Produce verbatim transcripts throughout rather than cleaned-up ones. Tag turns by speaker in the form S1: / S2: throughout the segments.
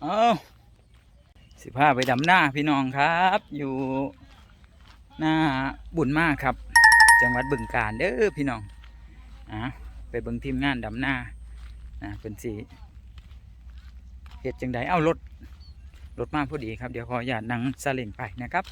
S1: เอาสิพาไปดำหน้าพี่น้องครับอยู่หน้าบุญมากครับจังหวัดบึงกาฬเด้อพี่น้องอ่ะไปเบิ่งทีมงานดำหน้าอ่ะเป็นสีเหตุจังใดเอารถรถมาพอดีครับเดี๋ยวขออย่านั่งซาเล้งไปนะครับ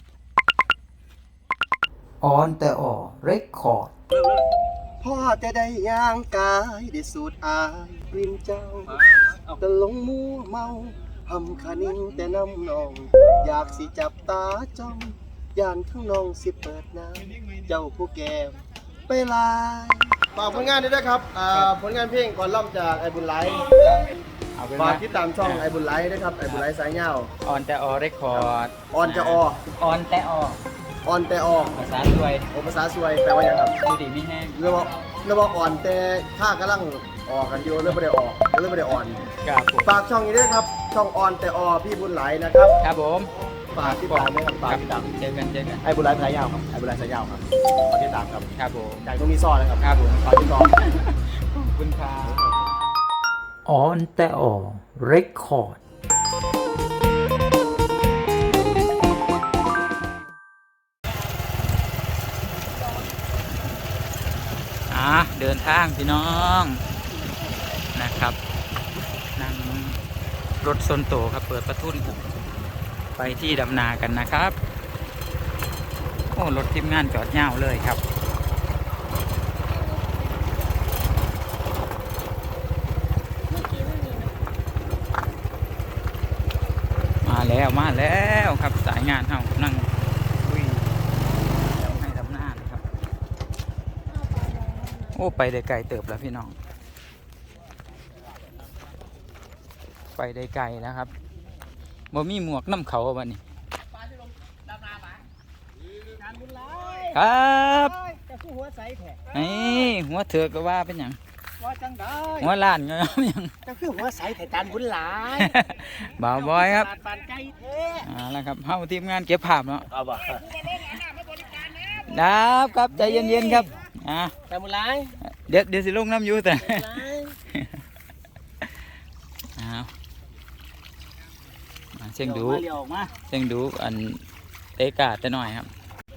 S1: ออนแต่ออเรคคอร์ด
S2: พ่อจะได้ย่างกายได้สูดอายริมเจ้าตะลงมัวเมาหำขานิ่งแต่น้ำนอง อยากสิจับตาจ้องย่านข้างน้องสิเปิดน้ำเจ้าผู้แก้วไปลายฝากผลงานด้วยนะครับผลงานเพลงก่อนล่ำจากไอ้บุญไลฝากติดตามช่องไอ้บุญไลนะครับไอ้บุญไลสายเงา
S1: ออนแต่ออเรคคอร์ด
S2: ออนจะอ
S1: ออนแต่ออ
S2: ออนแต่ออ
S1: ภาษาสวย
S2: โอภาษาสวยแปลว่าอย่างครับ
S1: ดูดีไม่แห้ง
S2: เรียกว่าเรียกว่าอ่อนแต่ข้ากำลังออกกันอยู่เรื่องไม่ได้ออกเรื่องไม่ได้อ่อน
S1: ครับ
S2: ฝากช่องนี้ด้วยครับช่องออนแต่ออพี่บุญไหลนะครับ
S1: ครับผม
S2: ฝากติดตามด้วยครับฝากติดตาม
S1: เจอกันเจอกัน
S2: ไอ้บุญไหลสายยาวครับไอ้บุญไหลสายยาวครับฝากติดตามครับ
S1: ครับผม
S2: จากตรงนี้ซ่อนนะครับ
S1: ครับผม
S2: ฝากติดตาม
S1: ขอบคุณครับออนแต่ออเรคคอร์ดเดินทางพี่น้องนะครับนั่งรถซนโตครับเปิดประทุนไปที่ดำนากันนะครับโอ้รถทีมงานจอดเง่าเลยครับมาแล้วมาแล้วครับสายงานเฮานั่งโอ้ไปได้ไกลเติบแล้วพี่น้องไปได้ไกลแล้วครับบ่มีหมวกน้ำเขาวันนี้ครับนี่หัวเถือกก็ว่าเป็นอย่างหัวล้านก็ยัง
S2: จะคือหัวใสไข่จานบุญหลาย
S1: บ่าวบอยครับอ่าแล้วครับเฮาทีมงานเก็บภาพเนาะครับครับใจเย็นๆครับอ่า
S2: แต่บุญหลาย
S1: เดี๋ยวเดี๋ยวสิลงน้ำยูแต่อ้าวเชียงดูเชียงดูอันเตะกาดแต่หน่อยครับ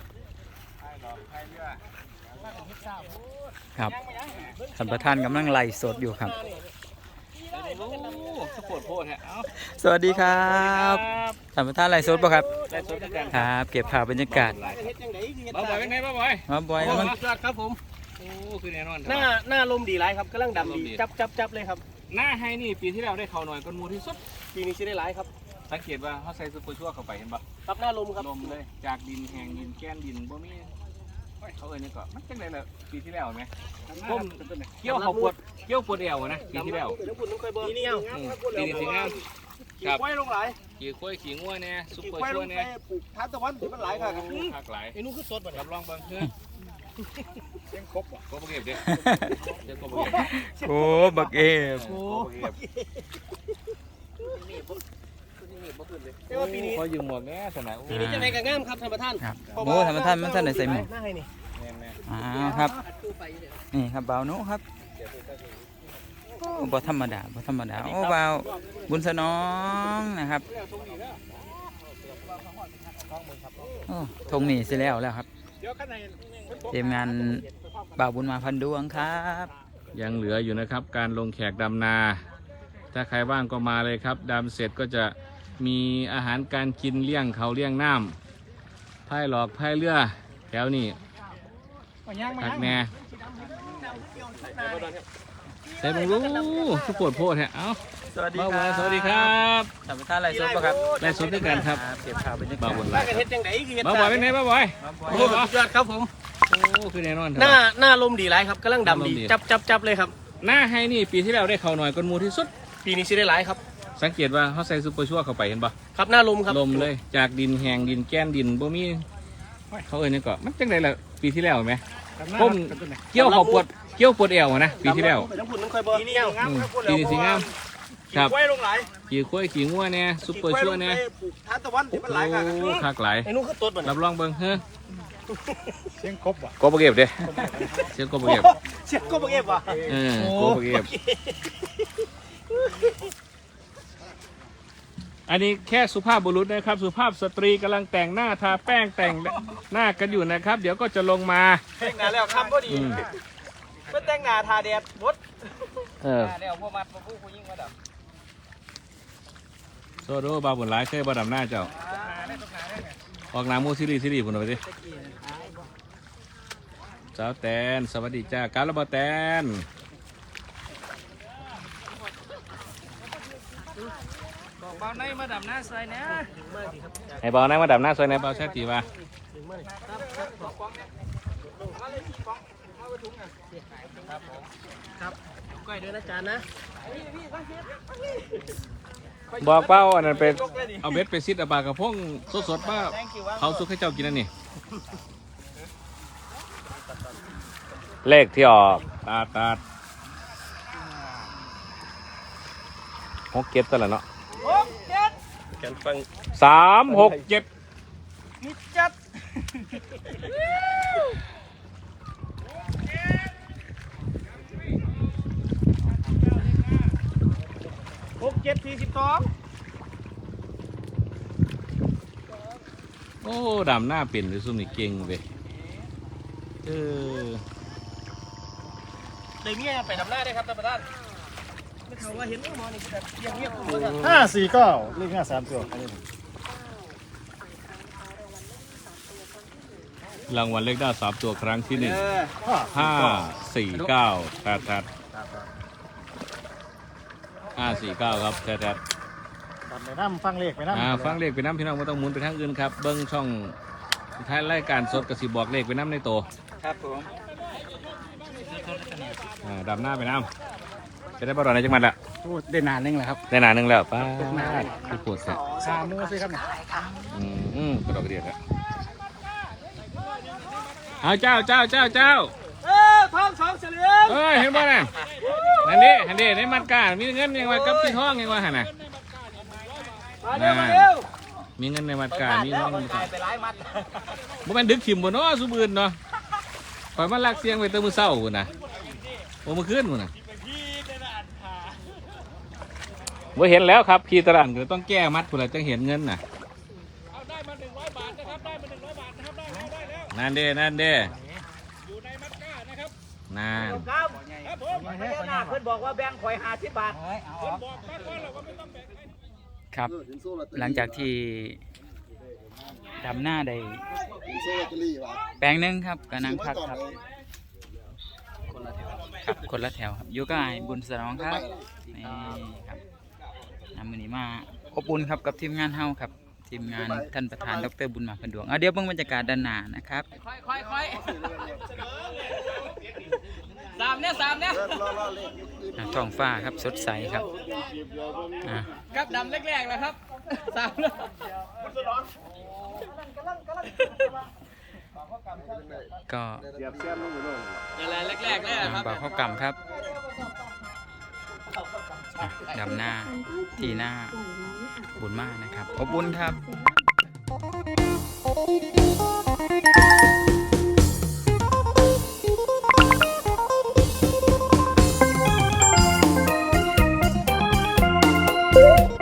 S1: ครับท่านประธานกำลังไล่สดอยู่ครับสวัสดีครับท่านประธานไล่สดป่ะครับครับเก็บภาพบรรยากาศ
S3: มาบ่อยเป็นไงมาบ่อย
S1: มาบ่อย
S3: มันครับผมโอ้คือแน่นอน
S2: หน้าหน้าลมดีไรครับกำลังดำดีจับจับจับเลยครับ
S3: หน้าให้นี่ปีที่แล้วได้เขาหน่อยก้นมูที่สุด
S2: ปีนี้ใช่ได้ไรครับ
S3: สังเกตว่าเขาใส่ซุปเปอร์ชั่วเข้าไปเห็นปะ
S2: ครับหน้าลมครับ
S3: ลมเลยจากดินแห้งดินแก้นดินบ่มีเขาเอ่ยนี่ก็มันจังไรเลยปีที่แล้วไหมผมเกี่ยวเขาปวดเกี่ยวปวดเอวนะปีที่แล้ว
S2: ปีนี้เอา
S3: ปีนี้สิงาม
S2: ขี่ควายลงไหล
S3: ขี่ควายขี่งัวเนี่ยซุปเปอร์ชั่วเนี่ย
S2: ปลูกทานตะวันที่มันไหลค่ะ
S3: หักไหล
S2: ไอ้นู้นคือสดแบบ
S3: รับรองบางเพื่อเสียงครบอ่ะครบเก็บดิเสียงครบเก็บ
S1: โอ้บักเอฟ
S3: โอ้
S2: ปีนี้
S3: พอยืมหมวกแม่สนาม
S2: ปีนี้จะไปกับง่ามครับท่านประธาน
S1: โอ้ท่านประธานมันท่านไหนใส่หมวกอ่าครับนี่ครับบ่าวนุครับโอ้บ่ธรรมดาบ่ธรรมดาโอ้บ่าวบุญสนองนะครับโอ้ทงนี่เสร็จแล้วแล้วครับเตรียมงานบ่าวบุญมาพันดวงครับ
S3: ยังเหลืออยู่นะครับการลงแขกดำนาถ้าใครว่างก็มาเลยครับดำเสร็จก็จะมีอาหารการกินเลี้ยงเขาเลี้ยงน้ำพายหลอกพายเรือแถวนี้ทักแน่ใส่บงรู้ทุกปวดโพดฮะเอ้า
S1: สวัสดีครับ
S3: สวัสดีครับ
S1: ท่านประธานไล่สดป่ะครับ
S3: ไล่สดด้วยกันครับ
S1: เก็บข่าวบรรยากาศ
S3: บ้าบนไร
S2: บ้า
S3: บ่อยเป็นไงบ้าบ่อย
S2: โอ้สุดยอดครับผม
S3: โอ้คือแน่นอน
S2: หน้าหน้าลมดีไรครับกำลังดำดีจับจับจับเลยครับ
S3: หน้าให้นี่ปีที่แล้วได้เขาหน่อยก้นมูที่สุด
S2: ปีนี้ใช่ได้ไรครับ
S3: สังเกตว่าเขาใส่ซุปเปอร์ชั่วเข้าไปเห็นปะ
S2: ครับหน้าลมครับ
S3: ลมเลยจากดินแห้งดินแก้นดินบ่มีเขาเอ่ยนี่ก็มันจังไรล่ะปีที่แล้วไหมผมเกี่ยวเขาปวดเกี่ยวปวดเอวนะปีที่แล้ว
S2: ปีนี้เอา
S3: ปีนี้สิงาม
S2: ครับขี่ควายลงไหล
S3: ขี่ควายขี่งัวเนี่ยซุปเปอร์ชั่วเนี่ย
S2: ทานตะวันที่มันไหลค่ะ
S3: โอ้คักไหล
S2: ไอ้นู้นคือต้นมัน
S3: รับรองเบิ้งเฮ้อ
S2: เสียงครบว่ะ
S3: กบเก็บเด้เสียงกบเก็บ
S2: เสียงกบเก็บว่ะ
S3: เออกบเก็บอันนี้แค่สุภาพบุรุษนะครับ สุภาพสตรีกำลังแต่งหน้าทาแป้งแต่งหน้ากันอยู่นะครับ เดี๋ยวก็จะลงมา
S1: แต่งหน้าแล้วคำพอดี
S3: อืม
S1: เพื่อแต่งหน้าทาแดดบด
S3: เออ
S1: เดี๋ยวพวกมัดพวกผู้ยิ่งมาดับ
S3: โซโดบาบุญหลายเคยบาดำหน้าเจ้าออกหน้ำมูซีรีส์ซีรีส์ผมเอาไปดิสาวแตนสวัสดีจ้าการระบาแตน
S1: บอกเบาในมาดับหน้าใส่นะ
S3: ให้บอลนะมาดับหน้าซอยในเบาแช่ตีว่า
S1: ก้อยด้วยนะจานนะ
S3: บอกเป้าอันนั้นเป็นเอาเบ็ดไปซิดเอาปลากระพงสดๆป้าเขาซุกให้เจ้ากินนั่นนี่เลขที่ออกตาตาหกเก็บซะแล้วเนาะ
S1: หกเจ็ด
S2: แขนฟัง
S3: สามหกเจ็ด
S1: มิดจัด หกเจ็ดสี่สิบสอง
S3: โอ้ดำหน้าเป็นหรือซุ่มนี่เก่งเว้ยเออ
S1: เดี๋ยวนี้ไปดับหน้าได้ครับท่านประธานไม่เขาว่าเห็นหมอนี่แบบเงียบๆผมว่า
S4: ห้าสี่เก้าเลขห้าสามตัว
S3: รางวัลเลขได้สามตัวครั้งที่หนึ่ง
S4: ห้า
S3: ห้าสี่เก้าแทดแทดห้าสี่เก้าครับแทดแทด
S4: ตัดไปน้ำฟังเลขไปน้ำ
S3: อ่าฟังเลขไปน้ำพี่น้องไม่ต้องหมุนไปทางอื่นครับเบิ้งช่องท้ายรายการสดกระสิบอกเลขไปน้ำในโต
S1: ครับผม
S3: อ่าดำหน้าไปน้ำจะได้บอลในจังหวัดละ
S4: พูดได้นานนึงแล้วครับ
S3: ได้นานหนึงแล้วป้าที่ปวดแสบ
S4: สามมือสิครับเนี่ย
S3: อืมอืมกระดอกกระเดียดอะเอาเจ้าเจ้าเจ้าเจ้า
S1: เออทองสองเฉลียง
S3: เอ้ยเห็นบ่น่ะนั่นดินั่นดิในมันกามีเงินยังไงกับที่ห้องยังไงหันน่ะ
S1: มาเร็วมาเร็ว
S3: มีเงินในมัดกามีห้องในมัดกา
S1: ไปหลายมัด
S3: บ่แม่นดึกถิ่มบ่เนาะสุบืนเนาะปล่อยมันลักเสียงไปเติมมือเศร้าพุ่นน่ะโอ้มื้อคืนพุ่นน่ะบ่เห็นแล้วครับพี่ตลาดก็ต้องแก้มัดพุ่นล่ะจังเห็นเงินน่ะเอาได้มาหนึ่งร้อยบาทนะครับได้มาหนึ่งร้อยบาทนะครับได้แล้วได้แล้วนั่นเด้นั่นเด้อยู่ในมัดกานะครับนั่น
S1: ครับครับผมพญานาคเพิ่นบอกว่าแบ่งข่อยห้าสิบบาท
S5: ครับ หลังจากที่ดำหน้าได้
S2: โซ่ลอตเตอรี่ว่ะ
S5: แปลงหนึงครับก็นั่งพักครับครับคนละแถวครับอยู่กับไอ้บุญสนองครับนี่ครับนำมือนี้มาอบอุ่นครับกับทีมงานเฮาครับทีมงานท่านประธานดรบุญมาพันดวงเอาเดี๋ยวเบิ่งบรรยากาศด้านหน้านะครับ
S1: ค่อยค่อยค่อยสามเนี่ยสามเนี่ย
S5: อ่าท้องฟ้าครับสดใสครับอ่า
S1: กับดำแรกๆแล้วครับสามแล้ว
S5: ก็
S1: อะไรแรกๆเลยครับ
S5: บ่าวข้าวกำครับอ่ะดำหน้าที่หน้าบุญมากนะครับอบอุ่นครับ